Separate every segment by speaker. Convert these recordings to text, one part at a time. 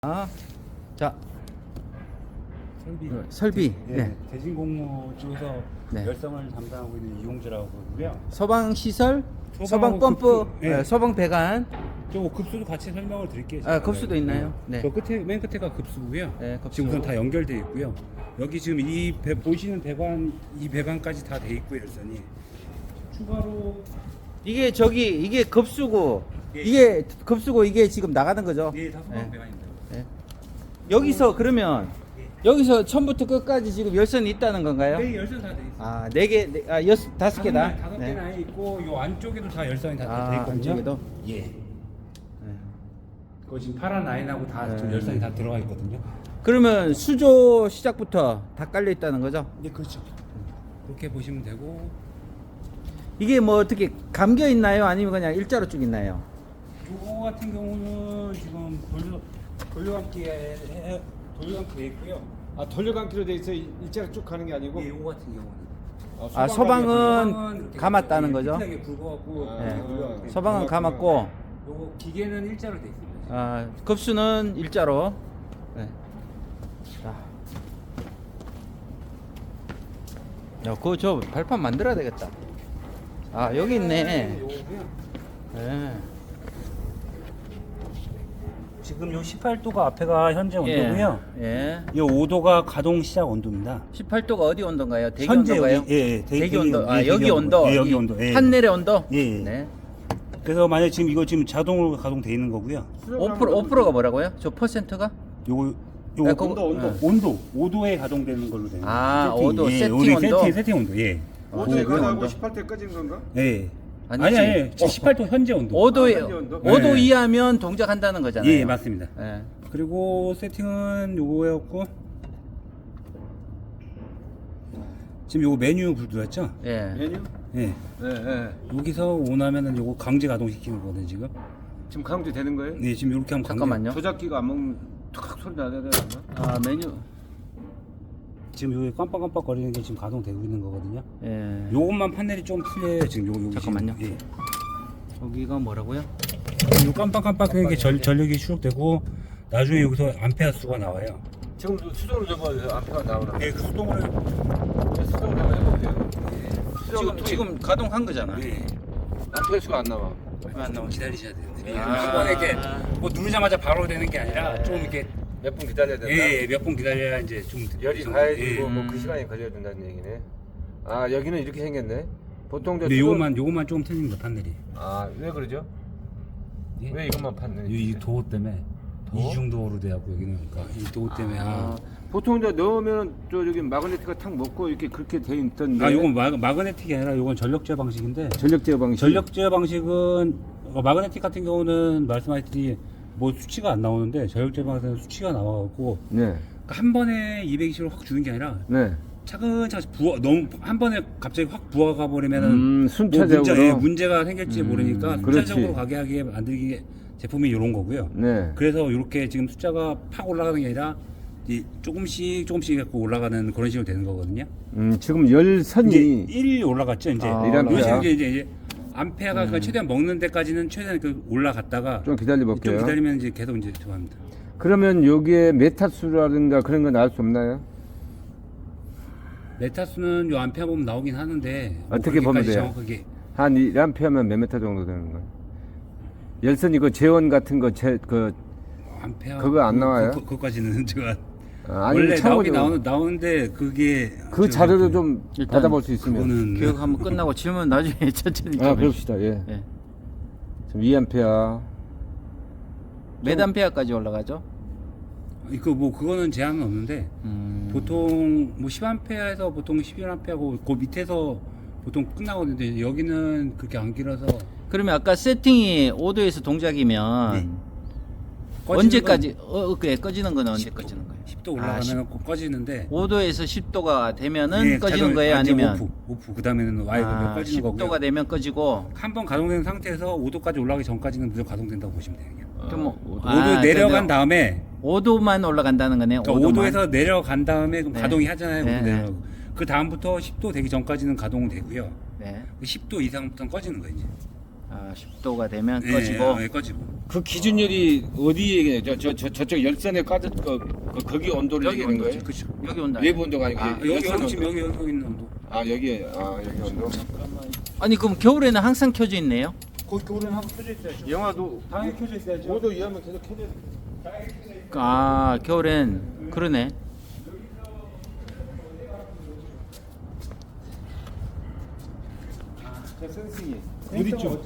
Speaker 1: 아, 자,
Speaker 2: 설비.
Speaker 1: 설비.
Speaker 2: 네.
Speaker 1: 네.
Speaker 2: 대진공무 쪽에서
Speaker 1: 네.
Speaker 2: 열성을 담당하고 있는 이용주라고 그러고요.
Speaker 1: 소방 시설, 소방
Speaker 2: 소방하고
Speaker 1: 펌프,
Speaker 2: 급수, 네.
Speaker 1: 소방 배관.
Speaker 2: 저 급수도 같이 설명을 드릴게요.
Speaker 1: 아, 급수도 있나요? 네.
Speaker 2: 저 끝에 맨 끝에가 급수고요.
Speaker 1: 네, 급수.
Speaker 2: 지금 우선 다 연결돼 있고요. 여기 지금 보시는 배관 이 배관까지 다 돼 있고요, 열선이. 추가로
Speaker 1: 이게 급수고,
Speaker 2: 예.
Speaker 1: 이게 급수고 이게 지금 나가는 거죠?
Speaker 2: 다 소방
Speaker 1: 네.
Speaker 2: 배관입니다.
Speaker 1: 네. 여기서 그러면 여기서 처음부터 끝까지 지금 열선이 있다는 건가요?
Speaker 2: 네, 열선 다 돼 있어요.
Speaker 1: 아, 네 개, 다섯 개다.
Speaker 2: 다섯 개나 있고 요 안쪽에도 다 열선이 다 돼
Speaker 1: 아,
Speaker 2: 있거든요.
Speaker 1: 안쪽에도?
Speaker 2: 예.
Speaker 1: 네.
Speaker 2: 그거 지금 파란 라인하고 다 지금
Speaker 1: 네.
Speaker 2: 열선이 다 들어가 있거든요.
Speaker 1: 그러면 수조 시작부터 다 깔려 있다는 거죠?
Speaker 2: 네, 그렇죠. 그렇게 보시면 되고.
Speaker 1: 이게 뭐 어떻게 감겨 있나요? 아니면 그냥 일자로 쭉 있나요?
Speaker 2: 요거 같은 경우는 지금 돌려감기에 돼 있고요.
Speaker 3: 아 돌려감기로 돼 있어 일자로 쭉 가는 게 아니고.
Speaker 2: 예, 요거 같은 경우는.
Speaker 1: 아, 소방은 감았다는 거죠?
Speaker 2: 게 굵어갖고.
Speaker 1: 네. 소방은 감았고,
Speaker 2: 요거 기계는 일자로 돼 있습니다.
Speaker 1: 아, 급수는 일자로. 네. 자. 야, 그거 저 발판 만들어야 되겠다. 아, 여기 있네.
Speaker 2: 요거고요.
Speaker 1: 네.
Speaker 2: 지금 요 18도가 앞에가 현재 온도고요.
Speaker 1: 예.
Speaker 2: 요 5도가 가동 시작 온도입니다.
Speaker 1: 18도가 어디 온도인가요? 대기
Speaker 2: 현재
Speaker 1: 온도인가요?
Speaker 2: 여기, 예,
Speaker 1: 대기 온도. 아,
Speaker 2: 예,
Speaker 1: 여기
Speaker 2: 대기
Speaker 1: 온도.
Speaker 2: 예, 여기
Speaker 1: 이
Speaker 2: 온도. 예.
Speaker 1: 판넬의 온도?
Speaker 2: 예.
Speaker 1: 네.
Speaker 2: 그래서 만약 지금 이거 지금 자동으로 가동돼 있는 거고요.
Speaker 1: 5%가 뭐라고요? 저 퍼센트가?
Speaker 2: 요거
Speaker 1: 아, 그거-
Speaker 2: 온도 5도에 가동되는 걸로 되는
Speaker 1: 아,
Speaker 2: 거예요.
Speaker 1: 5도,
Speaker 2: 예,
Speaker 1: 세팅
Speaker 2: 우리
Speaker 1: 온도?
Speaker 2: 세팅 온도. 예.
Speaker 3: 5도에
Speaker 1: 아,
Speaker 3: 가다고
Speaker 1: 온도.
Speaker 3: 18대 꺼진 건가?
Speaker 2: 예.
Speaker 1: 아니지.
Speaker 2: 아니 18도 현재 온도.
Speaker 1: 5도,
Speaker 3: 현재 온도?
Speaker 1: 5도
Speaker 2: 네.
Speaker 1: 이하면 동작한다는 거잖아요.
Speaker 2: 예, 맞습니다.
Speaker 1: 예.
Speaker 2: 그리고 세팅은 요거였고 지금 요거 메뉴 불 들어왔죠?
Speaker 1: 예.
Speaker 3: 메뉴?
Speaker 2: 예.
Speaker 3: 네, 네.
Speaker 2: 여기서 원하면은 요거 강제 가동시키는 거거든요, 지금.
Speaker 3: 지금 강제 되는 거예요?
Speaker 2: 네, 지금 이렇게 하면 강제.
Speaker 1: 잠깐만요.
Speaker 3: 조작기가 안 먹는 툭 소리 나야 되나?
Speaker 1: 아, 메뉴.
Speaker 2: 지금 여기 깜빡깜빡 거리는 게 지금 가동되고 있는 거거든요.
Speaker 1: 예.
Speaker 2: 요것만 판넬이 좀 틀려요, 지금 요거.
Speaker 1: 잠깐만요.
Speaker 2: 지금. 예.
Speaker 1: 여기가 뭐라고요?
Speaker 2: 요 깜빡깜빡 하는 게 전력이 추적되고 나중에 여기서 암페어 수가 나와요.
Speaker 3: 지금 수동으로 접어서 앞에가 나오나?
Speaker 2: 예, 그 수동으로.
Speaker 3: 수동으로 한번 해볼게요.
Speaker 1: 지금 가동한 거잖아.
Speaker 2: 예.
Speaker 3: 앞에 수가 안 나와.
Speaker 1: 왜 안 나오지?
Speaker 2: 기다리셔야 되는데.
Speaker 1: 아.
Speaker 2: 한 번에 이렇게 뭐 누르자마자 바로 되는 게 아니라 좀 이렇게
Speaker 3: 몇 분 기다려야 된다.
Speaker 2: 예, 몇 분 기다려야 이제 좀
Speaker 3: 열이
Speaker 2: 좀-
Speaker 3: 가야지
Speaker 2: 예.
Speaker 3: 뭐 그 시간이 걸려야 된다는 얘기네. 아 여기는 이렇게 생겼네. 보통 저
Speaker 2: 근데
Speaker 3: 수동-
Speaker 2: 요것만 조금 틀립니다, 판넬이.
Speaker 3: 아왜 그러죠?
Speaker 2: 예?
Speaker 3: 왜 이것만 판넬?
Speaker 2: 이 도어 때문에
Speaker 3: 도어?
Speaker 2: 이중도어로 돼갖고 여기는 그러니까 이 도어 때문에
Speaker 3: 보통 저 넣으면 저 저기 마그네틱가 탁 먹고 이렇게 그렇게 돼 있던데.
Speaker 2: 요건 마그네틱이 아니라 요건 전력 제어 방식인데
Speaker 3: 전력 제어 방식.
Speaker 2: 전력 제어 방식은 마그네틱 같은 경우는 말씀하셨듯이 뭐 수치가 안 나오는데 전력 제어 방식은 수치가 나와갖고
Speaker 3: 네.
Speaker 2: 그러니까 한 번에 220을 확 주는 게 아니라
Speaker 3: 네.
Speaker 2: 차근차근 너무 한 번에 갑자기 확 부어가 버리면은
Speaker 3: 순차적으로.
Speaker 2: 문제가 생길지 모르니까
Speaker 3: 그렇지.
Speaker 2: 순차적으로 가게 하게 만들기 제품이 이런 거고요.
Speaker 3: 네.
Speaker 2: 그래서 이렇게 지금 숫자가 팍 올라가는 게 아니라 이 조금씩 갖고 올라가는 그런 식으로 되는 거거든요.
Speaker 3: 지금 열선이
Speaker 2: 이제 1 올라갔죠, 이제.
Speaker 3: 아,
Speaker 2: 이런
Speaker 3: 올라갔어요.
Speaker 2: 식으로 이제 암페어가 그러니까 최대한 먹는 데까지는 최대한 그 올라갔다가
Speaker 3: 좀 기다려
Speaker 2: 좀
Speaker 3: 볼게요.
Speaker 2: 기다리면 이제 계속 이제 들어갑니다.
Speaker 3: 그러면 여기에 메타수라든가 그런 건 알 수 없나요?
Speaker 2: 메타수는 요 암페어 보면 나오긴 하는데 뭐
Speaker 3: 어떻게 보면
Speaker 2: 그렇게까지
Speaker 3: 돼요?
Speaker 2: 정확하게
Speaker 3: 한 1암페어면 몇 메타 정도 되는 거예요? 열선이 그 재원 같은 거
Speaker 2: 암페어
Speaker 3: 그거 안 나와요?
Speaker 2: 그거까지는 제가
Speaker 3: 아니,
Speaker 2: 원래 나오긴
Speaker 3: 참고로
Speaker 2: 나오는데 그게
Speaker 3: 그 자료도 좀
Speaker 1: 일단
Speaker 3: 받아볼 수 있으면.
Speaker 2: 그거는
Speaker 1: 교육 한번 끝나고 질문 나중에 천천히 좀
Speaker 3: 아
Speaker 1: 해주세요.
Speaker 3: 그럽시다. 예.
Speaker 1: 예.
Speaker 3: 지금 2암페어.
Speaker 1: 몇 암페어까지 올라가죠?
Speaker 2: 이거 뭐 그거는 제한은 없는데 보통 뭐 10암페어에서 보통 11암페어고 그 밑에서 보통 끝나거든요. 여기는 그렇게 안 길어서
Speaker 1: 그러면 아까 세팅이 5도에서 동작이면
Speaker 2: 네.
Speaker 1: 언제까지 그래 꺼지는 건 언제 꺼지는 거예요?
Speaker 2: 10도 올라가면 꺼지는데
Speaker 1: 5도에서 10도가 되면은
Speaker 2: 예,
Speaker 1: 꺼지는
Speaker 2: 자동-
Speaker 1: 거예요?
Speaker 2: 이제
Speaker 1: 아니면
Speaker 2: 오프 그다음에는 와이드가 꺼지는
Speaker 1: 10도가
Speaker 2: 거고요.
Speaker 1: 되면 꺼지고
Speaker 2: 한 번 가동된 상태에서 5도까지 올라가기 전까지는 무조건 가동된다고 보시면 돼요.
Speaker 1: 그럼 뭐
Speaker 2: 5도 내려간 다음에
Speaker 1: 5도만 올라간다는 거네요.
Speaker 2: 그러니까
Speaker 1: 5도만.
Speaker 2: 5도에서 내려간 다음에 그럼
Speaker 1: 네.
Speaker 2: 가동이 하잖아요.
Speaker 1: 네,
Speaker 2: 내려가고. 그 다음부터 10도 되기 전까지는 가동은 되고요.
Speaker 1: 네.
Speaker 2: 10도 이상부터는 꺼지는 거예요. 이제.
Speaker 1: 아, 10도가 되면
Speaker 2: 예,
Speaker 1: 꺼지고.
Speaker 2: 예, 꺼지고.
Speaker 3: 그 기준열이 어디에 저쪽 열선에 까졌 거기 온도를
Speaker 1: 여기
Speaker 3: 얘기하는 거예요?
Speaker 2: 그렇죠.
Speaker 1: 여기 온다.
Speaker 3: 외부 온도가 아니고
Speaker 1: 아,
Speaker 2: 여기
Speaker 3: 열선
Speaker 2: 지금
Speaker 3: 온도.
Speaker 2: 여기 있는 온도.
Speaker 3: 여기 온도.
Speaker 1: 아니 그럼 겨울에는 항상 켜져 있네요?
Speaker 2: 거기 겨울에는 한번 켜져 있어야죠.
Speaker 3: 영화도
Speaker 2: 당연히 켜져 있어야죠.
Speaker 3: 5도 이하면 계속 켜져.
Speaker 1: 아 겨울엔 그러네.
Speaker 3: 저 센싱이
Speaker 2: 어디 있죠?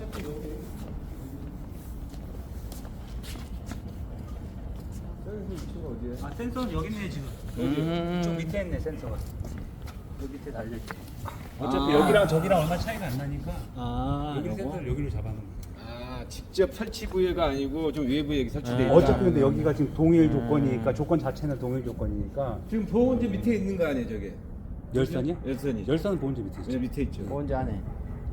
Speaker 2: 아 센서는 여기 있네 지금. 좀 밑에 있네 센서가. 여기 밑에 달려 있지. 어차피 여기랑 저기랑 얼마 차이가 안 나니까 여기 센서를 여기로 잡아놓은 거야.
Speaker 3: 직접 설치 부위가 아니고 좀 외부에 설치돼 있다.
Speaker 2: 어차피 근데 여기가 지금 동일 조건이니까 조건 자체는 동일 조건이니까
Speaker 3: 지금 보온재 밑에 있는 거 아니에요, 저게?
Speaker 2: 열선이요?
Speaker 3: 열선이.
Speaker 2: 열선은 보온재 밑에 있죠.
Speaker 3: 네, 밑에 있죠.
Speaker 1: 언제 안 해?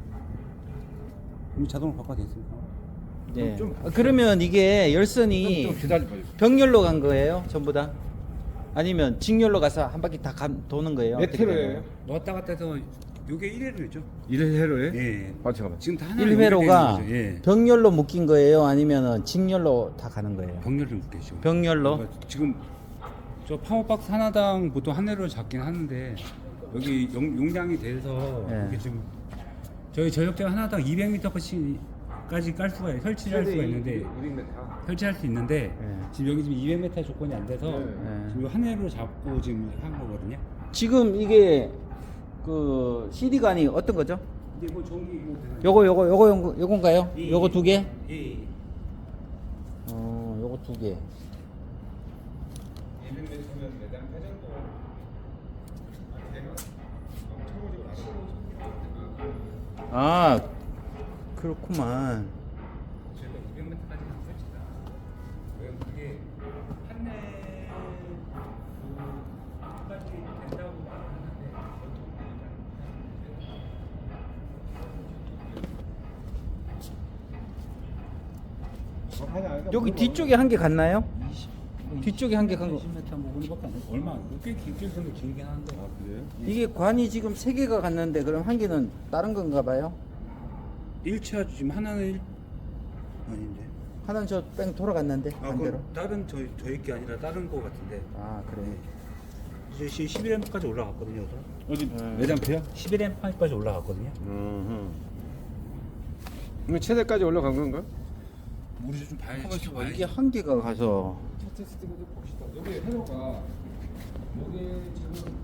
Speaker 2: 이미 자동으로 바꿔져 있으니까.
Speaker 1: 네.
Speaker 3: 좀
Speaker 1: 그러면 이게 열선이
Speaker 3: 좀 기다려봐요.
Speaker 1: 병렬로 간 거예요, 전부 다? 아니면 직렬로 가서 한 바퀴 다 도는 거예요?
Speaker 3: 몇
Speaker 1: 어떻게
Speaker 3: 회로예요?
Speaker 1: 되나요?
Speaker 2: 왔다 갔다 해서 요게 1회로죠.
Speaker 3: 1회로에?
Speaker 2: 예.
Speaker 3: 잠깐만.
Speaker 2: 지금 다 하나
Speaker 1: 1회로가
Speaker 2: 예.
Speaker 1: 병렬로 묶인 거예요? 아니면 직렬로 다 가는 거예요?
Speaker 2: 병렬을 묶겠죠.
Speaker 1: 병렬로?
Speaker 2: 그러니까 지금 저 파워박스 하나당 보통 한 회로 잡긴 하는데 여기 용량이 돼서
Speaker 1: 예.
Speaker 2: 이게 지금 저희 저역대 하나당 200m까지 깔 수가 설치할 수가 있는데
Speaker 3: 200m.
Speaker 2: 설치할 수 있는데
Speaker 1: 예.
Speaker 2: 지금 여기 지금 200m 조건이 안 돼서
Speaker 1: 예.
Speaker 2: 지금 한 회로 잡고 지금 한 거거든요.
Speaker 1: 지금 이게 그 CD관이 어떤 거죠?
Speaker 2: 근데 뭐 전기 이거
Speaker 1: 요건가요?
Speaker 2: 예,
Speaker 1: 요거 두 개?
Speaker 2: 예.
Speaker 1: 요거 두 개.
Speaker 3: 200m면 매당 회 정도.
Speaker 1: 아, 그렇구만.
Speaker 2: 저희가 200m까지 는 설치다. 왜냐면 그게 한내까지 된다고 말하는데
Speaker 1: 여기 뒤쪽에 한 개 갔나요? 뒤쪽에 한 개 간 거.
Speaker 2: 20m 뭐 그거밖에 안 돼. 얼마 꽤 길게 좀 길긴 한데.
Speaker 3: 그래요?
Speaker 1: 이게 관이 지금 세 개가 갔는데 그럼 한 개는 다른 건가 봐요?
Speaker 2: 1차 지금 하나는 아닌데.
Speaker 1: 하나는 저 뺑 돌아갔는데 반대로.
Speaker 2: 다른 저희 게 아니라 다른 거 같은데.
Speaker 1: 아 그래.
Speaker 2: 이제 11M까지 올라갔거든요.
Speaker 3: 어디 매장표야?
Speaker 2: 11M까지 올라갔거든요.
Speaker 3: 이거 최대까지 올라간 건가?
Speaker 2: 우리 좀 봐야지.
Speaker 1: 가만있어 봐. 이게 한 개가 가서
Speaker 3: 테스트 좀 봅시다. 여기 회로가 여기 지금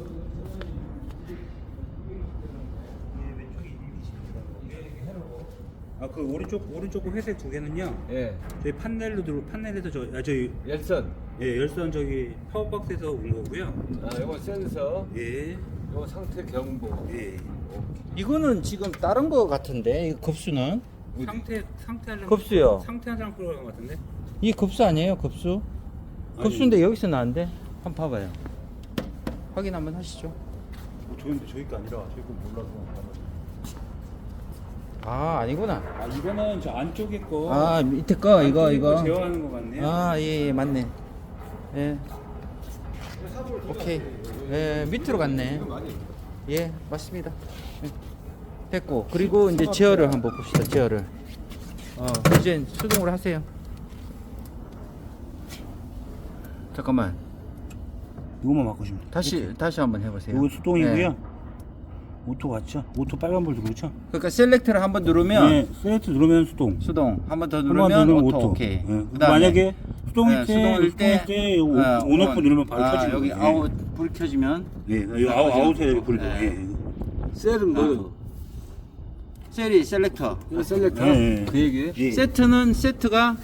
Speaker 2: 그 오른쪽 회색 두 개는요.
Speaker 3: 예
Speaker 2: 저희 판넬에서 저희
Speaker 3: 열선.
Speaker 2: 열선 저기 파워박스에서 온 거고요.
Speaker 3: 요거 센서.
Speaker 2: 예.
Speaker 3: 요거 상태 경보.
Speaker 2: 예.
Speaker 1: 이거는 지금 다른 거 같은데 이 급수는
Speaker 2: 상태 하려면
Speaker 1: 급수요.
Speaker 2: 상태 한 사람 끌어간 것 같은데.
Speaker 1: 이 급수 아니에요 급수? 급수인데 여기서 나는데 한번 봐봐요. 확인 한번 하시죠.
Speaker 2: 저희 거 아니라 저희 거 몰라서.
Speaker 1: 아 아니구나.
Speaker 2: 이거는 저 안쪽에 거.
Speaker 1: 아 밑에 거 이거
Speaker 2: 제어하는 거 같네요.
Speaker 1: 예, 맞네. 예. 오케이. 예, 밑으로 갔네. 예, 맞습니다. 예. 됐고. 그리고 이제 제어를 한번 봅시다. 제어를. 이제 수동으로 하세요. 잠깐만.
Speaker 2: 이거만 바꾸시면 돼요.
Speaker 1: 다시 한번 해보세요.
Speaker 2: 이거 수동이고요.
Speaker 1: 예.
Speaker 2: 오토 같죠? 오토 빨간불 누르죠?
Speaker 1: 그러니까 셀렉트를 한번 누르면
Speaker 2: 네, 세트 누르면 수동.
Speaker 1: 수동. 한번 더
Speaker 2: 한번
Speaker 1: 누르면
Speaker 2: 누르면
Speaker 1: 오토.
Speaker 2: 오토.
Speaker 1: 오케이.
Speaker 2: 예.
Speaker 1: 그다음에
Speaker 2: 만약에 수동일
Speaker 1: 네,
Speaker 2: 때,
Speaker 1: 수동일 때
Speaker 2: 온오프 누르면 바로 켜지는
Speaker 1: 여기
Speaker 2: 거예요.
Speaker 1: 아웃 불 켜지면
Speaker 2: 예, 여기 아웃에 불 켜요.
Speaker 1: 네.
Speaker 2: 예.
Speaker 3: 셀은 뭐?
Speaker 1: 셀이 셀렉터.
Speaker 3: 이거 셀렉터.
Speaker 2: 예.
Speaker 3: 그 얘기.
Speaker 2: 예.
Speaker 1: 세트는 세트가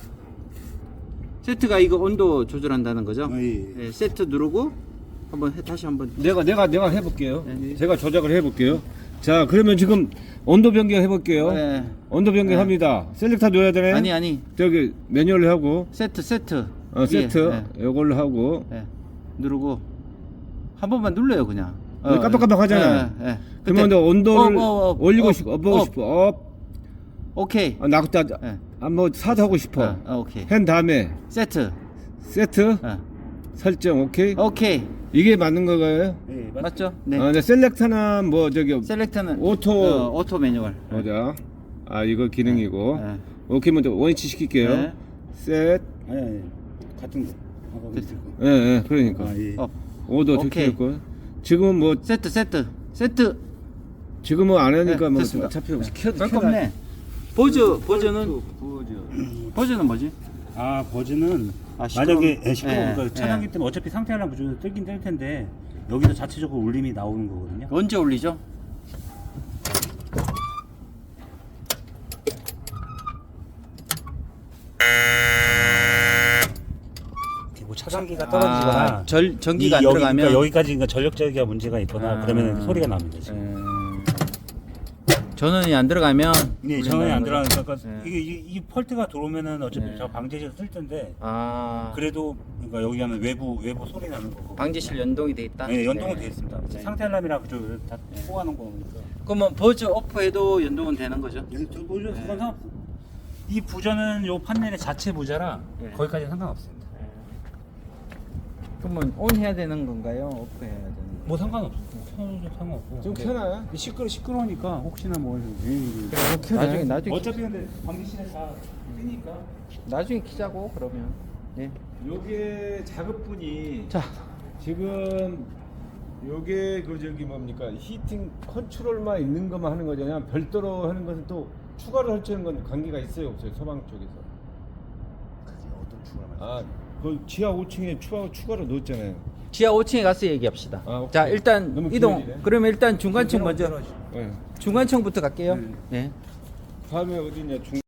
Speaker 1: 이거 온도 조절한다는 거죠?
Speaker 2: 예.
Speaker 1: 예, 세트 누르고 다시 한번.
Speaker 3: 내가 해볼게요.
Speaker 1: 네.
Speaker 3: 제가 조작을 해볼게요. 자, 그러면 지금 온도 변경 해볼게요.
Speaker 1: 네.
Speaker 3: 온도 변경합니다. 셀렉터 넣어야 되네.
Speaker 1: 아니
Speaker 3: 저기 매뉴얼로 하고
Speaker 1: 세트
Speaker 3: 세트
Speaker 1: 예,
Speaker 3: 이걸로 하고
Speaker 1: 예. 누르고 한 번만 눌러요 그냥.
Speaker 3: 깜빡깜빡 하잖아요.
Speaker 1: 예.
Speaker 3: 그러면
Speaker 1: 그때
Speaker 3: 온도를
Speaker 1: 업,
Speaker 3: 올리고 싶어, 업하고
Speaker 1: 업.
Speaker 3: 싶어, 업.
Speaker 1: 오케이.
Speaker 3: 나그다
Speaker 1: 예.
Speaker 3: 뭐 사도 하고 싶어.
Speaker 1: 오케이.
Speaker 3: 한 다음에
Speaker 1: 세트.
Speaker 3: 세트
Speaker 1: 예.
Speaker 3: 설정 오케이.
Speaker 1: 오케이.
Speaker 3: 이게 맞는 거가요?
Speaker 2: 예,
Speaker 1: 맞죠? 네.
Speaker 3: 네, 셀렉터나 뭐 저기
Speaker 1: 셀렉터는
Speaker 3: 오토.
Speaker 1: 오토 매뉴얼.
Speaker 3: 보자. 아 이거 기능이고.
Speaker 1: 네.
Speaker 3: 오케이 먼저 원위치 시킬게요.
Speaker 1: 네.
Speaker 3: 셋.
Speaker 2: 아니 같은 거. 아까 밑에 거.
Speaker 3: 예, 예, 그러니까.
Speaker 2: 아, 예.
Speaker 3: 오도
Speaker 1: 오케이.
Speaker 3: 됐고. 지금은 뭐
Speaker 1: 세트.
Speaker 3: 지금은 안 하니까
Speaker 1: 네,
Speaker 3: 뭐
Speaker 1: 됐습니다.
Speaker 3: 어차피 켜도
Speaker 1: 깜깜네. 버즈는 뭐지?
Speaker 2: 아 버즈는
Speaker 1: 아, 시끄러워.
Speaker 2: 만약에 시끄러우니까
Speaker 1: 예,
Speaker 2: 차량기
Speaker 1: 예.
Speaker 2: 때문에 어차피 상태 알람 무조건 뜨긴 뜰 텐데 여기서 자체적으로 울림이 나오는 거거든요.
Speaker 1: 언제 올리죠?
Speaker 2: 이렇게 뭐 차단기가 떨어지거나
Speaker 1: 전기가 안 들어가면
Speaker 2: 그러니까 여기까지 그러니까 전력 제어기가 문제가 있거나 그러면 소리가 납니다. 지금.
Speaker 1: 전원이 안 들어가면
Speaker 2: 네, 전원이 안 들어가니까 그러니까
Speaker 1: 네.
Speaker 2: 이 펄트가 들어오면은 어차피
Speaker 1: 네.
Speaker 2: 저 방제실 쓸 텐데
Speaker 1: 아
Speaker 2: 그래도 그러니까 여기 하면 외부 소리 나는 거고.
Speaker 1: 방지실 연동이 돼 있다.
Speaker 2: 네, 연동은 돼 있습니다.
Speaker 1: 네.
Speaker 2: 상태 알람이랑 그저 다 포함하는 거니까.
Speaker 1: 그러면 버즈 오프해도 연동은 되는 거죠?
Speaker 2: 저 보여줘 상관없어. 이 부저는 요 판넬의 자체 부저라
Speaker 1: 네.
Speaker 2: 거기까지 상관없습니다.
Speaker 1: 그러면 온 해야 되는 건가요? 오프 해야 되는 건가요?
Speaker 2: 뭐 상관없어. 켜도 상관없고.
Speaker 3: 좀
Speaker 2: 근데
Speaker 3: 켜놔요.
Speaker 2: 시끄러우니까 혹시나 뭐
Speaker 1: 나중에
Speaker 2: 어차피 근데 방지실에 다 뜨니까.
Speaker 1: 나중에 키자고 그러면. 예.
Speaker 3: 요게 작업분이
Speaker 1: 자,
Speaker 3: 지금 요게 그 저기 뭡니까 히팅 컨트롤만 있는 것만 하는 거잖아요. 별도로 하는 것은 또 추가로 설치하는 건 관계가 있어요 없어요 소방 쪽에서.
Speaker 2: 그게 어떤 추가만?
Speaker 3: 아그 지하 5층에 추가로 넣었잖아요.
Speaker 1: 지하 5층에 가서 얘기합시다.
Speaker 3: 아, 오케이.
Speaker 1: 자, 일단
Speaker 3: 너무
Speaker 1: 이동.
Speaker 3: 길어지네.
Speaker 1: 그러면 일단 중간층 먼저.
Speaker 3: 네.
Speaker 1: 중간층부터 갈게요.
Speaker 2: 네.
Speaker 1: 네.
Speaker 3: 다음에 어디냐 중.